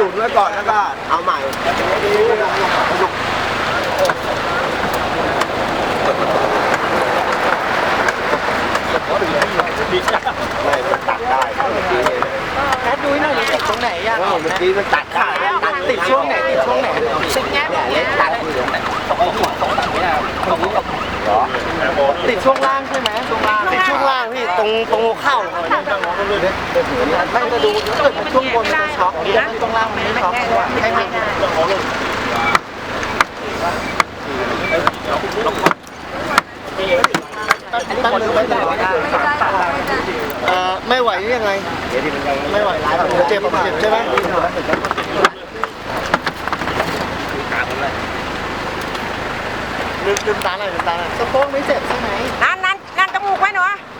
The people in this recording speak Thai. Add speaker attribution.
Speaker 1: ยุดไว้ก่อนแล้วก็เอาใหม่ไม่ตัดได้เมื่อกี้เนี่ย
Speaker 2: แอดดูหน่อยติดตรงไหนยัง
Speaker 1: เมื่อกี้มันตัดขาตัด
Speaker 2: ติดช่วงไหนติดช่วงไหน
Speaker 1: เนี่ยเล็กตัดอยู่ตรงไหนเหรอ
Speaker 2: ติดช่วงล่างใช่ไหมช่วงล่างติดช่วงล่างพี่ตรงหัวเข่าไม่จะดูถ้าเกิดช่วงบนมันจะช็อกนะช่วงล่างมันไม่ช็อกให้มันไม่ไหวยังไงไม่ไหวเจ็บใช่ไหมลืมตาหน่อยสะโพกไม่เจ็บใช่ไหม
Speaker 3: นั่นจมูกไว้หนู